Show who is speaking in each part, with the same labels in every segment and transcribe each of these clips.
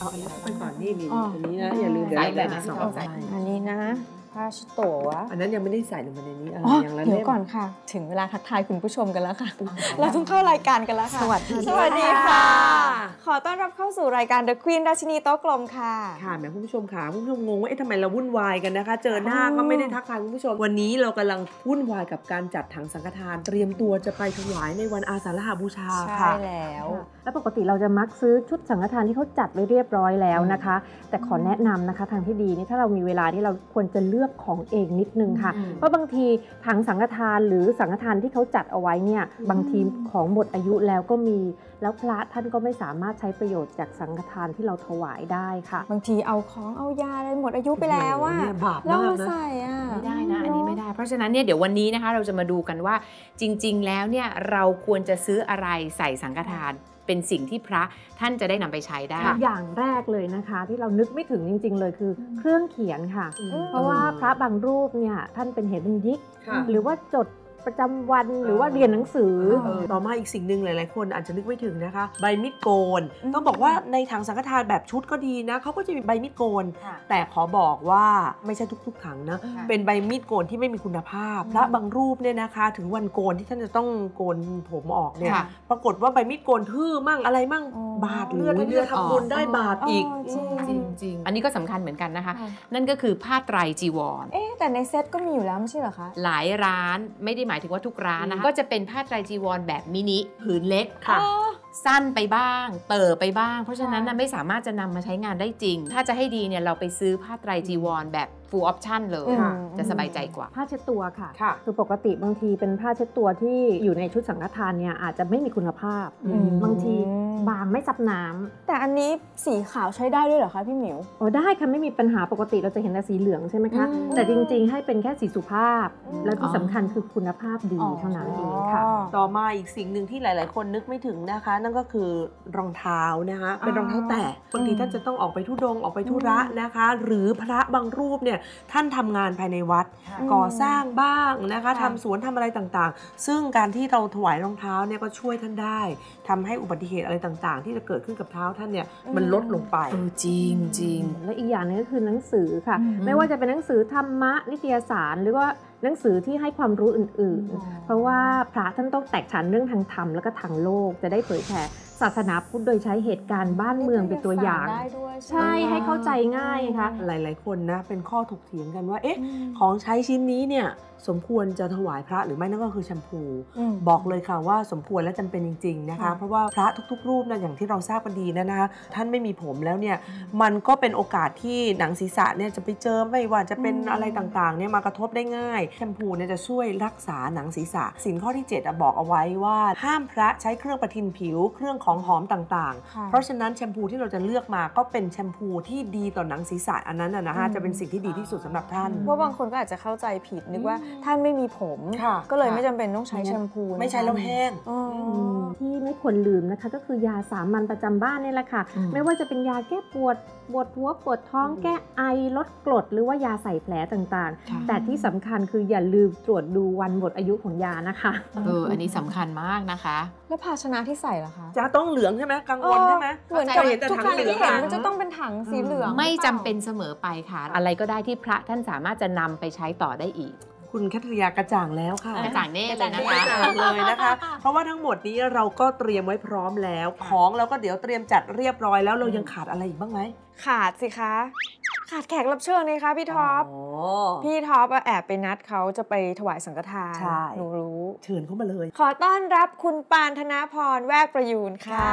Speaker 1: เอาอันนี้ไปก่อนนี่อันนี้นะอย่าลืมเดี๋ยวเราแบ่งเป็น2
Speaker 2: อันนี้นะผ้าชุดโตัว
Speaker 1: อันนั้นยังไม่ได้ใส่ลงมาในนี้อย่างละเล่ม
Speaker 2: เดี๋ยวก่อนค่ะถึงเวลาทักทายคุณผู้ชมกันแล้วค่ะเราต้องเข้ารายการกันแล้วค่ะสวัสดีค่ะขอต้อนรับเข้าสู่รายการ The Queen ราชินีโต๊ะกลมค่ะ
Speaker 1: ค่ะแม่คุณผู้ชมค่ะคุณผู้ชมงงว่าทำไมเราวุ่นวายกันนะคะเจอหน้าก็ไม่ได้ทักทายคุณผู้ชมวันนี้เรากำลังวุ่นวายกับการจัดถังสังฆทานเตรียมตัวจะไปถวายในวันอาสาฬหบูชาค่ะ
Speaker 2: ใช่แล้ว
Speaker 3: และปกติเราจะมักซื้อชุดสังฆทานที่เขาจัดไว้เรียบร้อยแล้วนะคะแต่ขอแนะนำนะคะทางที่ดีนี่ถ้าเรามีเวลาที่เราควรจะเลือกของเองนิดนึงค่ะเพราะบางทีถังสังฆทานหรือสังฆทานที่เขาจัดเอาไว้เนี่ยบางทีของหมดอายุแล้วก็มีแล้วพระท่านก็ไม่สามารถใช้ประโยชน์จากสังฆทานที่เราถวายได้ค่ะ
Speaker 2: บางทีเอาของเอายาอะไรหมดอายุไปแล้วว่าแล้วมาใส่
Speaker 4: ไม่ได้นะอันนี้ไม่ได้เพราะฉะนั้นเนี่ยเดี๋ยววันนี้นะคะเราจะมาดูกันว่าจริงๆแล้วเนี่ยเราควรจะซื้ออะไรใส่สังฆทานเป็นสิ่งที่พระท่านจะได้นำไปใช้ได้
Speaker 3: อย่างแรกเลยนะคะที่เรานึกไม่ถึงจริงๆเลยคือเครื่องเขียนค่ะเพราะว่าพระบางรูปเนี่ยท่านเป็นเหตุยิกหรือว่าจดประจำวันหรือว่าเรียนหนังสือ
Speaker 1: ต่อมาอีกสิ่งหนึ่งหลายๆคนอาจจะนึกไม่ถึงนะคะใบมีดโกนต้องบอกว่าในถังสังฆทานแบบชุดก็ดีนะเขาก็จะมีใบมีดโกนแต่ขอบอกว่าไม่ใช่ทุกๆถังนะเป็นใบมีดโกนที่ไม่มีคุณภาพพระบางรูปเนี่ยนะคะถึงวันโกนที่ท่านจะต้องโกนผมออกเนี่ยปรากฏว่าใบมีดโกนทื่อมั่งอะไรมั่งบาดเลือดทำบุญได้บาปอีก
Speaker 4: จริงอันนี้ก็สำคัญเหมือนกันนะคะนั่นก็คือผ้าไตรจีวร
Speaker 2: แต่ในเซ็ตก็มีอยู่แล้วไม่ใช่เหรอคะ
Speaker 4: หลายร้านไม่ได้หมายถึงว่าทุกร้านนะคะก็จะเป็นผ้าไตรจีวรแบบมินิผืนเล็กค่ะสั้นไปบ้างเติบไปบ้างเพราะฉะนั้นไม่สามารถจะนำมาใช้งานได้จริงถ้าจะให้ดีเนี่ยเราไปซื้อผ้าไตรจีวรแบบfull option เลยจะสบายใจกว่า
Speaker 3: ผ้าเช็ดตัวค่ะคือปกติบางทีเป็นผ้าเช็ดตัวที่อยู่ในชุดสังฆทานเนี่ยอาจจะไม่มีคุณภาพบางทีบางไม่ซับน้ำ
Speaker 2: แต่อันนี้สีขาวใช้ได้ด้วยเหรอคะพี่หมิว
Speaker 3: ได้ค่ะไม่มีปัญหาปกติเราจะเห็นแต่สีเหลืองใช่ไหมคะแต่จริงๆให้เป็นแค่สีสุภาพแล้วที่สำคัญคือคุณภาพดีเท่านั้นเองค่ะ
Speaker 1: ต่อมาอีกสิ่งหนึ่งที่หลายๆคนนึกไม่ถึงนะคะนั่นก็คือรองเท้านะคะเป็นรองเท้าแตะบางทีท่านจะต้องออกไปธุดงค์ออกไปธุระนะคะหรือพระบางรูปเนี่ยท่านทำงานภายในวัดก่อสร้างบ้างนะคะทำสวนทำอะไรต่างๆซึ่งการที่เราถวายรองเท้าเนี่ยก็ช่วยท่านได้ทำให้อุบัติเหตุอะไรต่างๆที่จะเกิดขึ้นกับเท้าท่านเนี่ยมันลดลงไป
Speaker 4: จริงจริง
Speaker 3: และอีกอย่างนึงก็คือหนังสือค่ะไม่ว่าจะเป็นหนังสือธรรมะนิตยสารหรือว่าหนังสือที่ให้ความรู้อื่นๆเพราะว่าพระท่านต้องแตกฉานเรื่องทางธรรมแล้วก็ทางโลกจะได้เผยแผ่ศาสนาพุทธโดยใช้เหตุการณ์บ้านเมืองเป็นตัวอย่างใช่ให้เข้าใจง่ายค่ะ
Speaker 1: หลายๆคนนะเป็นข้อถกเถียงกันว่าของใช้ชิ้นนี้เนี่ยสมควรจะถวายพระหรือไม่นั่นก็คือแชมพูบอกเลยค่ะว่าสมควรและจำเป็นจริงๆนะคะเพราะว่าพระทุกๆรูปนะอย่างที่เราทราบกันดีนะคะท่านไม่มีผมแล้วเนี่ยมันก็เป็นโอกาสที่หนังศีรษะเนี่ยจะไปเจอไม่ว่าจะเป็นอะไรต่างๆเนี่ยมากระทบได้ง่ายแชมพูเนี่ยจะช่วยรักษาหนังศีรษะศีลข้อที่7บอกเอาไว้ว่าห้ามพระใช้เครื่องประทินผิวเครื่องของหอมต่างๆเพราะฉะนั้นแชมพูที่เราจะเลือกมาก็เป็นแชมพูที่ดีต่อหนังศีรษะอันนั้นนะคะจะเป็นสิ่งที่ดีที่สุดสำหรับท่าน
Speaker 2: เพราะบางคนก็อาจจะเข้าใจผิดนึกว่าท่านไม่มีผมก็เลยไม่จำเป็นต้องใช้แชมพู
Speaker 1: ไม่ใช้แล้วแห้ง
Speaker 3: ที่ไม่ควรลืมนะคะก็คือยาสามัญประจำบ้านนี่แหละค่ะไม่ว่าจะเป็นยาแก้ปวดหัวปวดท้องแก้ไอลดกรดหรือว่ายาใส่แผลต่างๆแต่ที่สำคัญคืออย่าลืมตรวจดูวันหมดอายุของยานะคะ
Speaker 4: อันนี้สำคัญมากนะคะ
Speaker 2: แล้วภาชนะที่ใส่ล่ะคะ
Speaker 1: จะต้องเหลืองใช่ไหมกังวลใช่ไหม
Speaker 2: เหมือนจะเห็นแต่ถังเหลืองมันจะต้องเป็นถังสีเหลือง
Speaker 4: ไม่จำเป็นเสมอไปค่ะอะไรก็ได้ที่พระท่านสามารถจะนำไปใช้ต่อได้อีก
Speaker 1: คุณแคทริยากระจ่างแล้วค่ะ
Speaker 4: กระจ่างแน่เลยนะคะ
Speaker 1: เลยนะคะเพราะว่าทั้งหมดนี้เราก็เตรียมไว้พร้อมแล้วของเราก็เดี๋ยวเตรียมจัดเรียบร้อยแล้วเรายังขาดอะไรอีกบ้างไหม
Speaker 2: ขาดสิคะขาดแขกรับเชิญเลยค่ะพี่ท็อปพี่ท็อปแอบไปนัดเขาจะไปถวายสังฆทานหนูรู้
Speaker 1: เชิญเข้ามาเลย
Speaker 2: ขอต้อนรับคุณปานธนพรแวกประยูนค่ะ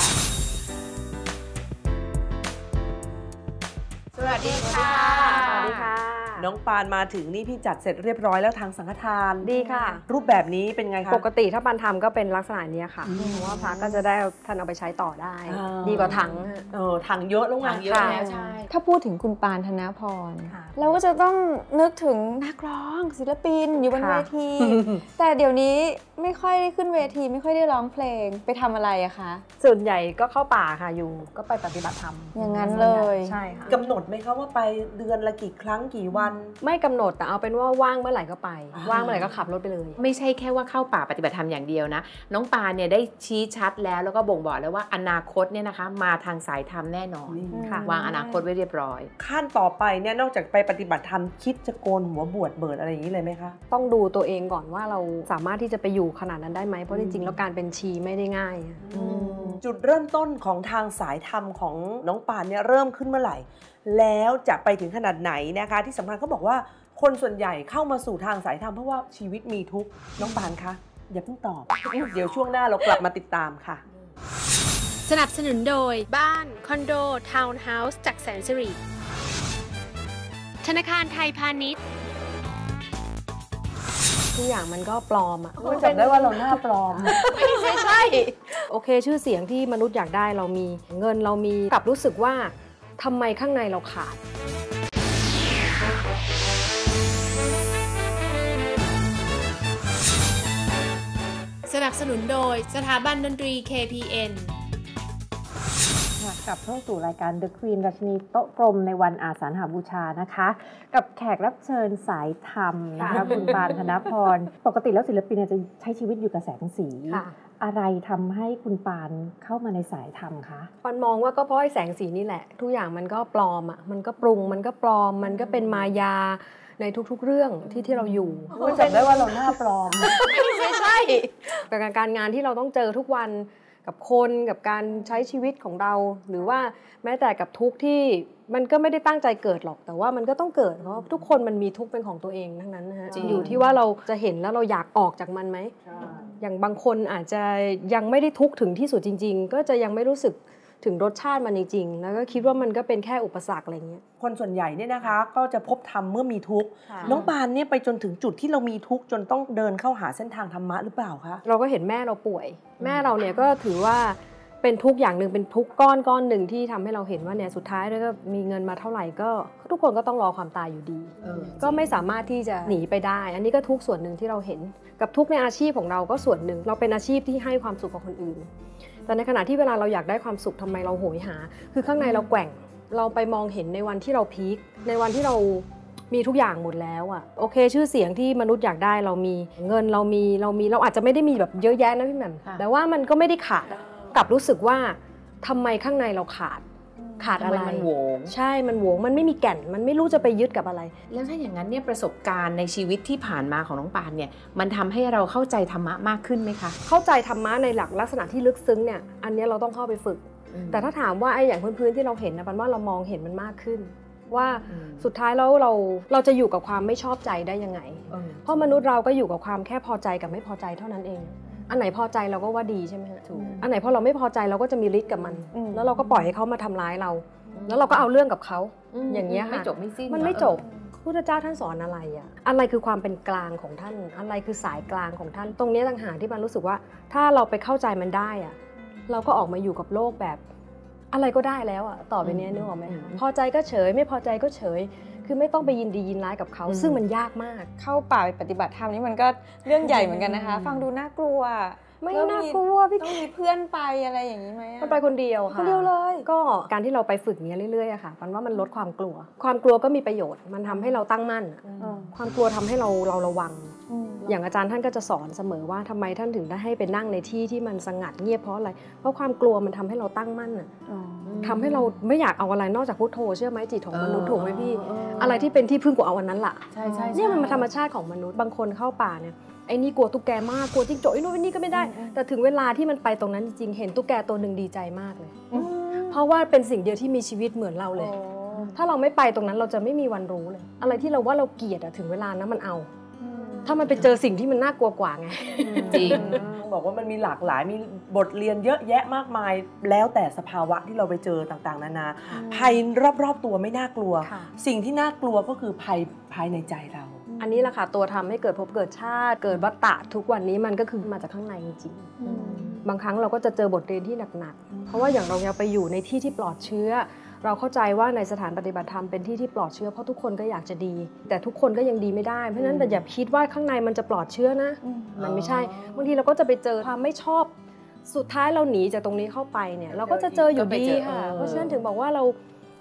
Speaker 4: สวัสดีค่ะ
Speaker 3: สวัสดีค่ะ
Speaker 1: น้องปานมาถึงนี่พี่จัดเสร็จเรียบร้อยแล้วทางสังฆทาน
Speaker 5: ดีค่ะ
Speaker 1: รูปแบบนี้เป็นไงคะ
Speaker 5: ปกติถ้าปานทำก็เป็นลักษณะนี้ค่ะเพราะว่าพระก็จะได้ท่านเอาไปใช้ต่อได้ดีกว่าถัง
Speaker 1: ถังเยอะแล้วไง
Speaker 4: เยอะแล้วใช่
Speaker 2: ถ้าพูดถึงคุณปานธนพรเราก็จะต้องนึกถึงนักร้องศิลปินอยู่บนเวทีแต่เดี๋ยวนี้ไม่ค่อยได้ขึ้นเวทีไม่ค่อยได้ร้องเพลงไปทำอะไรอะคะ
Speaker 5: ส่วนใหญ่ก็เข้าป่าค่ะอยู่ก็ไปปฏิบัติธรรม
Speaker 2: อย่างนั้นเลย
Speaker 5: ใช่ค่ะ
Speaker 1: กำหนดไหมคะว่าไปเดือนละกี่ครั้งกี่วัน
Speaker 5: ไม่กำหนดแต่เอาเป็นว่าว่างเมื่อไหร่ก็ไปว่างเมื่อไหร่ก็ขับรถไปเลย
Speaker 4: ไม่ใช่แค่ว่าเข้าป่าปฏิบัติธรรมอย่างเดียวนะน้องปานเนี่ยได้ชี้ชัดแล้วก็บ่งบอกแล้วว่าอนาคตเนี่ยนะคะมาทางสายธรรมแน่นอนวางอนาคตไว้เรียบร้อย
Speaker 1: ขั้นต่อไปเนี่ยนอกจากไปปฏิบัติธรรมคิดจะโกนหัวบวชเบิดอะไรอย่างนี้เลยไหมคะ
Speaker 5: ต้องดูตัวเองก่อนว่าเราสามารถที่จะไปอยู่ขนาดนั้นได้ไหมเพราะจริงๆแล้วการเป็นชีไม่ได้ง่าย
Speaker 1: จุดเริ่มต้นของทางสายธรรมของน้องปานเนี่ยเริ่มขึ้นเมื่อไหร่แล้วจะไปถึงขนาดไหนนะคะที่สำคัญเขาบอกว่าคนส่วนใหญ่เข้ามาสู่ทางสายธรรมเพราะว่าชีวิตมีทุกข์น้องปานคะอย่าเพิ่งตอบเดี๋ยวช่วงหน้าเรากลับมาติดตามค่ะ
Speaker 6: สนับสนุนโดยบ้านคอนโดทาวน์เฮาส์จากแสนสิริธนาคารไทยพาณิชย์
Speaker 5: ทุกอย่างมันก็ปลอมอะ
Speaker 1: จำได้ว่าเราหน้าปลอม
Speaker 5: ไม่ใช่โอเคชื่อเสียงที่มนุษย์อยากได้เรามีเงินเรามีกลับรู้สึกว่าทำไมข้างในเราขาด
Speaker 6: สนับสนุนโดยสถาบันดนตรี KPN
Speaker 3: กลับเข้าสู่รายการ The Queen ราชินีโต๊ะกลมในวันอาสาฬหบูชานะคะกับแขกรับเชิญสายธรรมนะคะคุณปานธนพรปกติแล้วศิลปินจะใช้ชีวิตอยู่กับแสงสีอะไรทำให้คุณปานเข้ามาในสายธรรมคะ
Speaker 5: ปานมองว่าก็เพราะไอ้แสงสีนี่แหละทุกอย่างมันก็ปลอมอ่ะมันก็ปรุงมันก็ปลอมมันก็เป็นมายาในทุกๆเรื่องที่เราอยู่
Speaker 1: จำได้ว่าเราหน้าปลอม
Speaker 5: ไม่ใช่กับการงานที่เราต้องเจอทุกวันกับคนกับการใช้ชีวิตของเราหรือว่าแม้แต่กับทุกข์ที่มันก็ไม่ได้ตั้งใจเกิดหรอกแต่ว่ามันก็ต้องเกิดเพราะทุกคนมันมีทุกข์เป็นของตัวเองทั้งนั้นนะฮะอยู่ที่ว่าเราจะเห็นแล้วเราอยากออกจากมันไหมอย่างบางคนอาจจะยังไม่ได้ทุกข์ถึงที่สุดจริงๆก็จะยังไม่รู้สึกถึงรสชาติมันจริงๆแล้วก็คิดว่ามันก็เป็นแค่อุปสรรคอะไรเงี้ย
Speaker 1: คนส่วนใหญ่เนี่ยนะคะก็จะพบธรรมเมื่อมีทุกข์น้องปานเนี่ยไปจนถึงจุดที่เรามีทุกข์จนต้องเดินเข้าหาเส้นทางธรรมะหรือเปล่าคะ
Speaker 5: เราก็เห็นแม่เราป่วยแม่เราเนี่ยก็ถือว่าเป็นทุกข์อย่างหนึ่งเป็นทุกข์ก้อนหนึ่งที่ทำให้เราเห็นว่าเนี่ยสุดท้ายแล้วก็มีเงินมาเท่าไหร่ก็ทุกคนก็ต้องรอความตายอยู่ดีก็ไม่สามารถที่จะหนีไปได้อันนี้ก็ทุกข์ส่วนหนึ่งที่เราเห็นกับทุกข์ในอาชีพของเราก็ส่วนหนึ่งเราเป็นอาชีพที่ให้ความสุขกับคนอื่นแต่ในขณะที่เวลาเราอยากได้ความสุขทำไมเราโหยหาคือข้างในเราแกว่งเราไปมองเห็นในวันที่เราพีคในวันที่เรามีทุกอย่างหมดแล้วอ่ะโอเคชื่อเสียงที่มนุษย์อยากได้เรามีเงินเราอาจจะไม่ได้มีแบบเยอะแยะนะพี่แหม่มแต่ว่ามันก็ไม่ได้ขาดกลับรู้สึกว่าทำไมข้างในเราขาดอะไร
Speaker 4: มันโหวง
Speaker 5: ใช่มันโหวงมันไม่มีแก่นมันไม่รู้จะไปยึดกับอะไร
Speaker 4: แล้วถ้าอย่างนั้นเนี่ยประสบการณ์ในชีวิตที่ผ่านมาของน้องปานเนี่ยมันทำให้เราเข้าใจธรรมะมากขึ้นไหมคะ
Speaker 5: เข้าใจธรรมะในหลักษณะที่ลึกซึ้งเนี่ยอันนี้เราต้องเข้าไปฝึกแต่ถ้าถามว่าไอ้อย่างพื้นๆที่เราเห็นนะปันว่าเรามองเห็นมันมากขึ้นว่าสุดท้ายแล้วเราจะอยู่กับความไม่ชอบใจได้ยังไงเพราะมนุษย์เราก็อยู่กับความแค่พอใจกับไม่พอใจเท่านั้นเองอันไหนพอใจเราก็ว่าดีใช่ไหมฮะอันไหนพอเราไม่พอใจเราก็จะมีฤทธิ์กับมันแล้วเราก็ปล่อยให้เขามาทำร้ายเราแล้วเราก็เอาเรื่องกับเขาอย่างเงี้ยค่ะ
Speaker 4: ไม่จบไม่สิ้น
Speaker 5: มันไม่จบพุทธเจ้าท่านสอนอะไรอ่ะอะไรคือความเป็นกลางของท่านอะไรคือสายกลางของท่านตรงนี้ต่างหากที่มันรู้สึกว่าถ้าเราไปเข้าใจมันได้อ่ะเราก็ออกมาอยู่กับโลกแบบอะไรก็ได้แล้วอ่ะต่อไปนี้นึกออกไหมพอใจก็เฉยไม่พอใจก็เฉยคือไม่ต้องไปยินดียินร้ายกับเขาซึ่งมันยากมาก
Speaker 2: เข้าป่าไปปฏิบัติธรรมนี่มันก็เรื่องใหญ่เหมือนกันนะคะฟังดูน่ากลัว
Speaker 5: ไม่น่ากลัวพี่
Speaker 2: ต้องมีเพื่อนไปอะไรอย่างนี้ไหม
Speaker 5: มันไปคนเดียวค่ะ
Speaker 2: คนเดียวเลย
Speaker 5: ก็การที่เราไปฝึกนี้เรื่อยๆอะค่ะมันว่ามันลดความกลัวความกลัวก็มีประโยชน์มันทำให้เราตั้งมั่นความกลัวทำให้เราระวังอย่างอาจารย์ท่านก็จะสอนเสมอว่าทำไมท่านถึงได้ให้ไปนั่งในที่ที่มันสงัดเงียบเพราะอะไรเพราะความกลัวมันทำให้เราตั้งมั่นอะทำให้เราไม่อยากเอาอะไรนอกจากพุทโธเชื่อไหมจิตของมนุษย์ถูกไหมพี่อะไรที่เป็นที่พึ่งกูเอาอันนั้นล่ะ
Speaker 4: ใช่
Speaker 5: เนี่ยมันธรรมชาติของมนุษย์บางคนเข้าป่าเนี่ยไอ้นี่กลัวตุ๊กแกมากกลัวจิ้งจกไอ้นู่นไอ้นี่ก็ไม่ได้แต่ถึงเวลาที่มันไปตรงนั้นจริงๆเห็นตุ๊กแกตัวหนึ่งดีใจมากเลยเพราะว่าเป็นสิ่งเดียวที่มีชีวิตเหมือนเราเลยถ้าเราไม่ไปตรงนั้นเราจะไม่มีวันรู้เลยอะไรที่เราว่าเราเกลียดอะถึงเวลานั้นมันเอาถ้ามันไปเจอสิ่งที่มันน่ากลัวกว่าไง
Speaker 4: จริง
Speaker 1: บอกว่ามันมีหลากหลายมีบทเรียนเยอะแยะมากมายแล้วแต่สภาวะที่เราไปเจอต่างๆนานาภัยรอบๆตัวไม่น่ากลัวสิ่งที่น่ากลัวก็คือภัยภายในใจเรา
Speaker 5: อันนี้แหละค่ะตัวทำให้เกิดภพเกิดชาติเกิดวัฏฏะทุกวันนี้มันก็คือมาจากข้างในจริงๆบางครั้งเราก็จะเจอบทเรียนที่หนักๆเพราะว่าอย่างเราไปอยู่ในที่ที่ปลอดเชื้อเราเข้าใจว่าในสถานปฏิบัติธรรมเป็นที่ที่ปลอดเชื้อเพราะทุกคนก็อยากจะดีแต่ทุกคนก็ยังดีไม่ได้เพราะฉะนั้นแต่อย่าคิดว่าข้างในมันจะปลอดเชื้อนะมันไม่ใช่บางทีเราก็จะไปเจอความไม่ชอบสุดท้ายเราหนีจากตรงนี้เข้าไปเนี่ยเราก็จะเจออยู่ดีค่ะเพราะฉะนั้นถึงบอกว่าเรา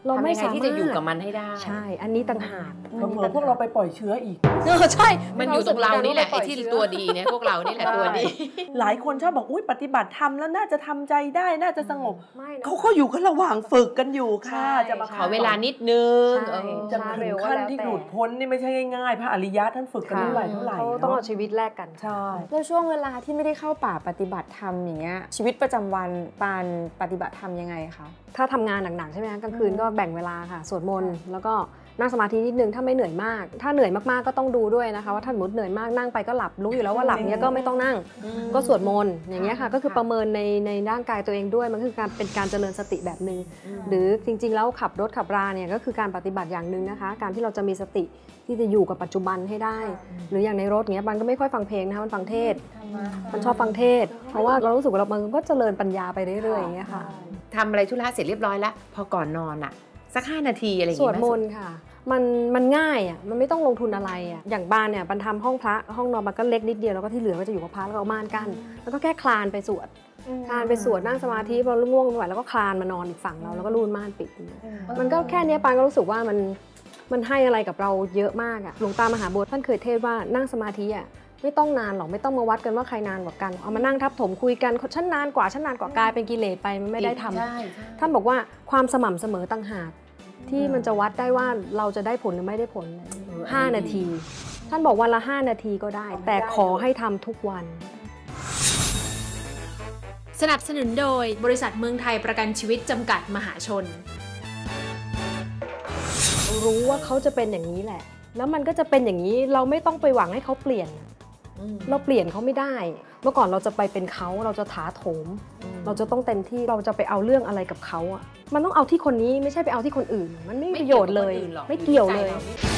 Speaker 5: เราไม่สามารถ
Speaker 4: ที่จะอยู่กับมันให้ได้
Speaker 5: ใช่อันนี้ต่างหาก
Speaker 1: เผลอพวกเราไปปล่อยเชื้ออีก
Speaker 5: ใช่
Speaker 4: มันอยู่ตรงเรานี่แหละไอ้ที่ตัวดีเนี่ยพวกเรานี่แหละตัวดี
Speaker 1: หลายคนชอบบอกอุ้ยปฏิบัติธรรมแล้วน่าจะทำใจได้น่าจะสงบเขาอยู่กันระหว่างฝึกกันอยู่ค่ะจะมา
Speaker 4: ขอเวลานิดนึง
Speaker 1: จะถึงขั้นที่หลุดพ้นนี่ไม่ใช่ง่ายๆพระอริยะท่านฝึกกันเท่าไหร่
Speaker 5: เขาต้องเอาชีวิตแลกกัน
Speaker 1: ใช่
Speaker 2: แล้วช่วงเวลาที่ไม่ได้เข้าป่าปฏิบัติธรรมอย่างเงี้ยชีวิตประจำวันปานปฏิบัติธรรมยังไงคะ
Speaker 5: ถ้าทำงานหนักๆใช่ไหมคะกลางคืนก็แบ่งเวลาค่ะสวดมนต์แล้วก็นั่งสมาธินิดนึงถ้าไม่เหนื่อยมากถ้าเหนื่อยมากๆก็ต้องดูด้วยนะคะว่าถ้าสมมติเหนื่อยมากนั่งไปก็หลับรู้อยู่แล้วว่าหลับเนี้ยก็ไม่ต้องนั่งก็สวดมนต์อย่างเงี้ยค่ะก็คือประเมินในร่างกายตัวเองด้วยมันคือการเป็นการเจริญสติแบบนึงหรือจริงๆแล้วขับรถขับราเนี่ยก็คือการปฏิบัติอย่างนึงนะคะการที่เราจะมีสติที่จะอยู่กับปัจจุบันให้ได้หรืออย่างในรถเงี้ยมันก็ไม่ค่อยฟังเพลงนะคะมันฟังเทศมันชอบฟังเทศเพราะว่าเรารู้สึกว่าเรามันก็เจริญปัญญาไปเรื่อยๆอย่างเงี้ยค่ะ
Speaker 4: ทำอะไรธุระเสร็จเรียบร้อยแล้วพอก่อนนอนอ่ะสัก5 นาทีอะไรอย่าง
Speaker 5: เงี้ยสวดมนต์ค่ะมันง่ายอ่ะมันไม่ต้องลงทุนอะไรอ่ะอย่างบ้านเนี่ยบันทำห้องพระห้องนอนมันก็เล็กนิดเดียวแล้วก็ที่เหลือก็จะอยู่กับพระแล้วก็เอาม่านกั้นแล้วก็แค่คลานไปสวดนั่งสมาธิพอง่วงไม่ไหวแล้วก็คลานมานอนอีกฝั่งเราแล้วก็รูดม่านปิดมันก็แค่นี้ปานก็รู้สึกว่ามันให้อะไรกับเราเยอะมากอ่ะหลวงตามหาบัวท่านเคยเทศว่านั่งสมาธิอ่ะไม่ต้องนานหรอกไม่ต้องมาวัดกันว่าใครนานกว่ากันเอามานั่งทับถมคุยกันฉันนานกว่ากลายเป็นกิเลสไปมันไม่ได้ทำท่านบอกว่าความสม่ำเสมอต่างหากที่มันจะวัดได้ว่าเราจะได้ผลหรือไม่ได้ผล5 นาทีท่านบอกวันละ5 นาทีก็ได้แต่ขอให้ทำทุกวัน
Speaker 6: สนับสนุนโดยบริษัทเมืองไทยประกันชีวิตจำกัดมหาชน
Speaker 5: รู้ว่าเขาจะเป็นอย่างนี้แหละแล้วมันก็จะเป็นอย่างนี้เราไม่ต้องไปหวังให้เขาเปลี่ยนเราเปลี่ยนเขาไม่ได้เมื่อก่อนเราจะไปเป็นเขาเราจะถาโถมเราจะต้องเต็มที่เราจะไปเอาเรื่องอะไรกับเขาอ่ะมันต้องเอาที่คนนี้ไม่ใช่ไปเอาที่คนอื่นมันไม่มีประโยชน์เลยไม่เกี่ยวเลย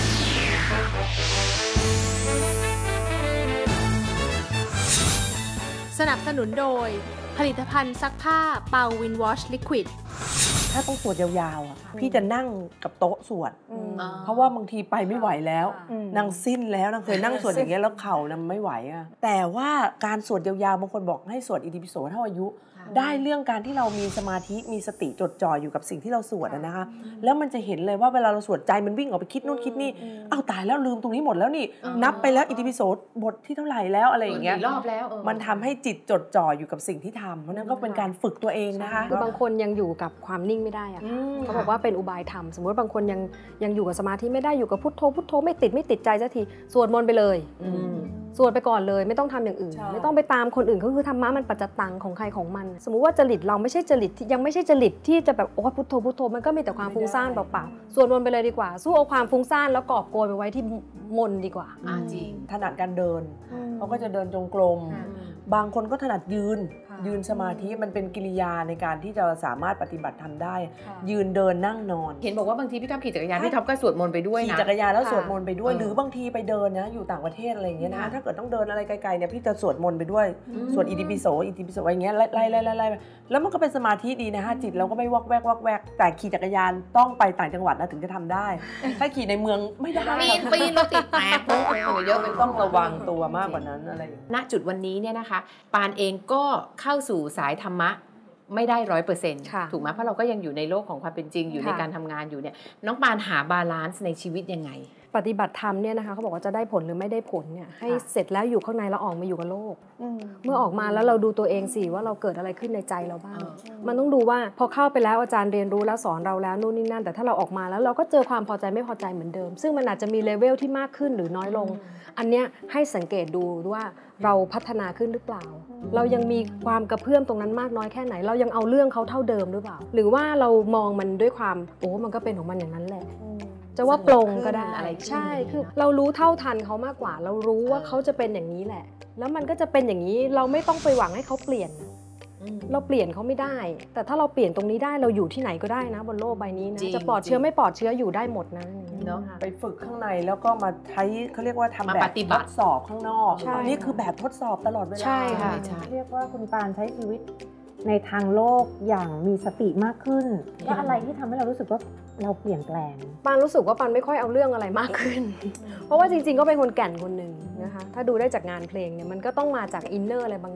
Speaker 6: สนับสนุนโดยผลิตภัณฑ์ซักผ้าเปาวินวอชลิควิด
Speaker 1: ถ้าต้องสวดยาวๆอ่ะพี่จะนั่งกับโต๊ะสวดเพราะว่าบางทีไปไม่ไหวแล้วนางสิ้นแล้วนางเคยนั่งสวดอย่างเงี้ยแล้วเข่านางไม่ไหวอ่ะแต่ว่าการสวดยาวๆบางคนบอกให้สวดอิติปิโสเท่าอายุได้เรื่องการที่เรามีสมาธิมีสติจดจ่ออยู่กับสิ่งที่เราสวดนะคะแล้วมันจะเห็นเลยว่าเวลาเราสวดใจมันวิ่งออกไปคิดนู่นคิดนี่อ้าวตายแล้วลืมตรงนี้หมดแล้วนี่นับไปแล้วอิติปิโสบทที่เท่าไหร่แล้วอะไรอย่างเงี้ย
Speaker 4: รอบแล้ว
Speaker 1: มันทำให้จิตจดจ่ออยู่กับสิ่งที่ทำเพราะนั้นก็เป็นการฝึกตัวเองนะคะ
Speaker 5: คือบางคนยังอยู่กับความนิ่งไม่ได้อะเขาบอกว่าเป็นอุบายธรรมสมมติบางคนยังอยู่กับสมาธิไม่ได้อยู่กับพุทโธไม่ติดใจสักทีสวดมนต์ไปเลยสวดไปก่อนเลยไม่ต้องทำอย่างอื่นไม่ต้องไปตามคนอื่นก็คือธรรมะมันปัจจตังของใครของมันสมมุติว่าจริตเราไม่ใช่จริตยังไม่ใช่จริตที่จะแบบโอ้พุทโธมันก็มีแต่ความฟุ้งซ่านเปล่าๆสวดมนต์ไปเลยดีกว่าสู้เอาความฟุ้งซ่านแล้วกอบโกยไปไว้ที่มนต์ดีกว่า
Speaker 4: จริง
Speaker 1: ถนัดการเดินเขาก็จะเดินจงกรมบางคนก็ถนัดยืนสมาธิมันเป็นกิริยาในการที่จะสามารถปฏิบัติทำได้ยืนเดินนั่งนอน
Speaker 4: เห็นบอกว่าบางทีพี่ท็อปขี่จักรยานพี่ท็อปก็สวดมนต์ไปด้วยนะ
Speaker 1: ขี่จักรยานแล้วสวดมนต์ไปด้วยหรือบางทีไปเดินนะอยู่ต่างประเทศอะไรอย่างเงี้ยนะถ้าเกิดต้องเดินอะไรไกลๆเนี่ยพี่จะสวดมนต์ไปด้วยสวดอิติปิโสอะไรอย่างเงี้ยไล่แล้วมันก็เป็นสมาธิดีนะฮะจิตเราก็ไม่วอกแวกแต่ขี่จักรยานต้องไปต่างจังหวัดนะถึงจะทำได้ถ้าขี่ในเมืองไม่ได้
Speaker 4: ปีนรถติดแตก
Speaker 1: เยอะมันต้องระวังตัวมากกว่านั้นอะไร
Speaker 4: ณจุดวันนี้เนี่ยนะคะปานเองก็เข้าสู่สายธรรมะไม่ได้ 100% ถูกไหมเพราะเราก็ยังอยู่ในโลกของความเป็นจริงอยู่ในการทำงานอยู่เนี่ยน้องปานหาบาลานซ์ในชีวิตยังไง
Speaker 5: ปฏิบัติธรรมเนี่ยนะคะเขาบอกว่าจะได้ผลหรือไม่ได้ผลเนี่ยให้เสร็จแล้วอยู่ข้างในแล้วออกมาอยู่กับโลกเมื่อออกมาแล้วเราดูตัวเองสิว่าเราเกิดอะไรขึ้นในใจเราบ้างมันต้องดูว่าพอเข้าไปแล้วอาจารย์เรียนรู้แล้วสอนเราแล้วนู่นนี่นั่นแต่ถ้าเราออกมาแล้วเราก็เจอความพอใจไม่พอใจเหมือนเดิมซึ่งมันอาจจะมีเลเวลที่มากขึ้นหรือน้อยลงอันเนี้ยให้สังเกตดูว่าเราพัฒนาขึ้นหรือเปล่าเรายังมีความกระเพื่อมตรงนั้นมากน้อยแค่ไหนเรายังเอาเรื่องเขาเท่าเดิมหรือเปล่าหรือว่าเรามองมันด้วยความมันก็เป็นของมันอย่างนั้นแหละจะว่าปลงก็ได้ใช่คือเรารู้เท่าทันเขามากกว่าเรารู้ว่าเขาจะเป็นอย่างนี้แหละแล้วมันก็จะเป็นอย่างนี้เราไม่ต้องไปหวังให้เขาเปลี่ยนเราเปลี่ยนเขาไม่ได้แต่ถ้าเราเปลี่ยนตรงนี้ได้เราอยู่ที่ไหนก็ได้นะบนโลกใบนี้นะจะปลอดเชื้อไม่ปลอดเชื้ออยู่ได้หมดนะ
Speaker 1: เนาะไปฝึกข้างในแล้วก็มาใช้เขาเรียกว่าทำแบบทดสอบข้างนอกนี่คือแบบทดสอบตลอดเวลา
Speaker 5: ใช่ค่ะ
Speaker 3: เรียกว่าคุณปานใช้ชีวิตในทางโลกอย่างมีสติมากขึ้นว่าอะไรที่ทำให้เรารู้สึกว่าเราเปลี่ยนแปลง
Speaker 5: ปานรู้สึกว่าปานไม่ค่อยเอาเรื่องอะไรมากขึ้นเพราะว่าจริงๆก็เป็นคนแก่นคนหนึ่งนะคะถ้าดูได้จากงานเพลงเนี่ยมันก็ต้องมาจากอินเนอร์อะไรบางอย่าง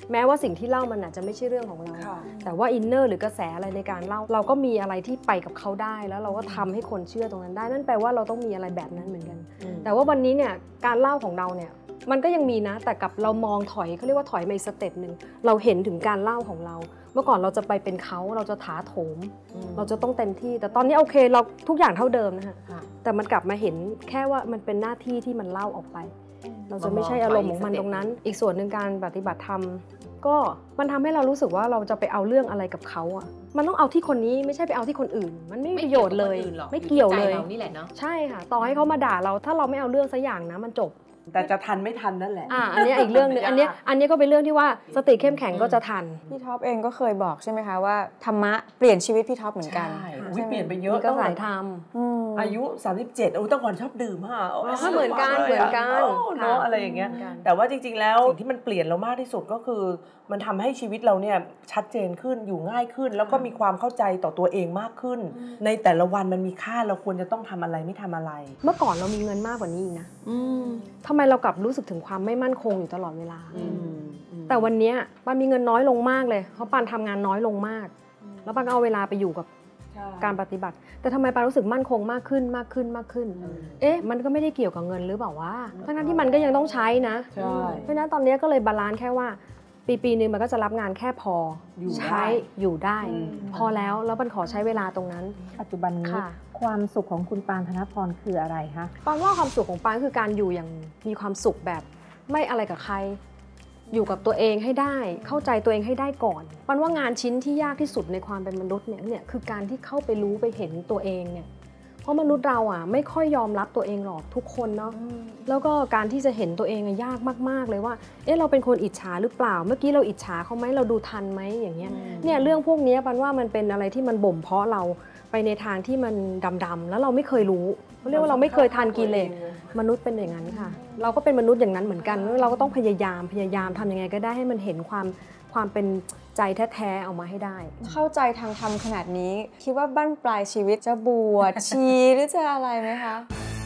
Speaker 5: แม้ว่าสิ่งที่เล่ามันอาจจะไม่ใช่เรื่องของเราแต่ว่าอินเนอร์หรือกระแสอะไรในการเล่าเราก็มีอะไรที่ไปกับเขาได้แล้วเราก็ทำให้คนเชื่อตรงนั้นได้นั่นแปลว่าเราต้องมีอะไรแบบนั้นเหมือนกันแต่ว่าวันนี้เนี่ยการเล่าของเราเนี่ยมันก็ยังมีนะแต่กับเรามองถอยเขาเรียกว่าถอยมาอีกสเต็ปหนึ่งเราเห็นถึงการเล่าของเราเมื่อก่อนเราจะไปเป็นเขาเราจะถาโถมเราจะต้องเต็มที่แต่ตอนนี้โอเคเราทุกอย่างเท่าเดิมนะฮะแต่มันกลับมาเห็นแค่ว่ามันเป็นหน้าที่ที่มันเล่าออกไปเราจะไม่ใช่อารมณ์ของมันตรงนั้นอีกส่วนหนึ่งการปฏิบัติธรรมก็มันทำให้เรารู้สึกว่าเราจะไปเอาเรื่องอะไรกับเขาอ่ะมันต้องเอาที่คนนี้ไม่ใช่ไปเอาที่คนอื่นมันไม่มีประโยชน์เลยไม่เกี่ยวเลย
Speaker 4: นี่แหละเนาะ
Speaker 5: ใช่ค่ะต่อให้เขามาด่าเราถ้าเราไม่เอาเรื่องสักอย่างนะมันจบ
Speaker 1: แต่จะทันไม่ทันนั่นแหละ
Speaker 5: อันนี้อีกเรื่องนึงอันนี้ก็เป็นเรื่องที่ว่าสติเข้มแข็งก็จะทัน
Speaker 2: พี่ท็อปเองก็เคยบอกใช่ไหมคะว่าธรรมะเปลี่ยนชีวิตพี่ท็อปเหมือนกัน
Speaker 1: เปลี่ยนไปเยอะ
Speaker 5: ก็สายธรรม
Speaker 1: อายุ37ตั้งก่อนชอบดื่ม
Speaker 5: เหมือนกัน
Speaker 1: เนาะอะไรอย่างเงี้ยแต่ว่าจริงๆแล้วสิ่งที่มันเปลี่ยนเรามากที่สุดก็คือมันทำให้ชีวิตเราเนี่ยชัดเจนขึ้นอยู่ง่ายขึ้นแล้วก็มีความเข้าใจต่อตัวเองมากขึ้นในแต่ละวันมันมีค่าเราควรจะต้องทำอะไรไม่ทำอะไร
Speaker 5: เมื่อก่อนเรามีเงินมากกว่านี้อีกนะทำไมเรากลับรู้สึกถึงความไม่มั่นคงอยู่ตลอดเวลาแต่วันนี้ปานมีเงินน้อยลงมากเลยเพราะปานทำงานน้อยลงมากแล้วปานก็เอาเวลาไปอยู่กับการปฏิบัติแต่ทำไมปานรู้สึกมั่นคงมากขึ้นมันก็ไม่ได้เกี่ยวกับเงินหรือเปล่าวะทั้งที่มันก็ยังต้องใช้นะเพราะฉะนั้นตอนนี้ก็เลยบาลานซ์แค่ว่าปีนึงมันก็จะรับงานแค่พอใช้อยู่ได้พอแล้วมันขอใช้เวลาตรงนั้น
Speaker 3: ปัจจุบันนี้ความสุขของคุณปานธนพรคืออะไรคะ
Speaker 5: ปานว่าความสุขของปานคือการอยู่อย่างมีความสุขแบบไม่อะไรกับใครอยู่กับตัวเองให้ได้เข้าใจตัวเองให้ได้ก่อนปานว่างานชิ้นที่ยากที่สุดในความเป็นมนุษย์เนี่ยคือการที่เข้าไปรู้ไปเห็นตัวเองเนี่ยเพราะมนุษย์เราไม่ค่อยยอมรับตัวเองหรอกทุกคนเนาะแล้วก็การที่จะเห็นตัวเองยากมากๆเลยว่าเราเป็นคนอิจฉาหรือเปล่าเมื่อกี้เราอิจฉาเขาไหมเราดูทันไหมอย่างเงี้ยเนี่ยเรื่องพวกนี้ปานว่ามันเป็นอะไรที่มันบ่มเพาะเราไปในทางที่มันดำๆแล้วเราไม่เคยรู้เขาเรียกว่าเราไม่เคยทันกิเลสมนุษย์เป็นอย่างนั้นค่ะเราก็เป็นมนุษย์อย่างนั้นเหมือนกันเราก็ต้องพยายามทำยังไงก็ได้ให้มันเห็นความเป็นใจแท้ๆออกมาให้ได้
Speaker 2: เข้าใจทางธรรมขนาดนี้คิดว่าบั้นปลายชีวิตจะบวชชีหรือจะอะไรไหมคะ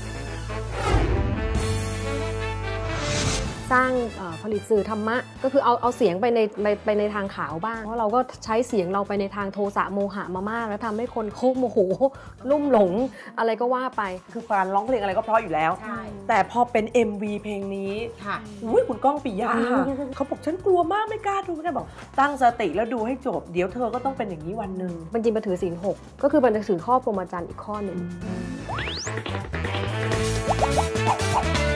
Speaker 5: สร้างผลิตสื่อธรรมะก็คือเอาเสียงไปในทางขาวบ้างเพราะเราก็ใช้เสียงเราไปในทางโทสะโมหะมามากแล้วทำให้คนโคบโมโหลุ่มหลงอะไรก็ว่าไป
Speaker 1: คือการร้องเพลงอะไรก็เพราะอยู่แล้วแต่พอเป็น MV เพลงนี้คุณก้องปิยะเขาบอกฉันกลัวมากไม่กล้าดูนะบอกตั้งสติแล้วดูให้จบเดี๋ยวเธอก็ต้องเป็นอย่างนี้วันหนึ่ง
Speaker 5: จริงๆมันถือศีล 6ก็คือมันถือข้อพรหมจรรย์อีกข้อหนึ่ง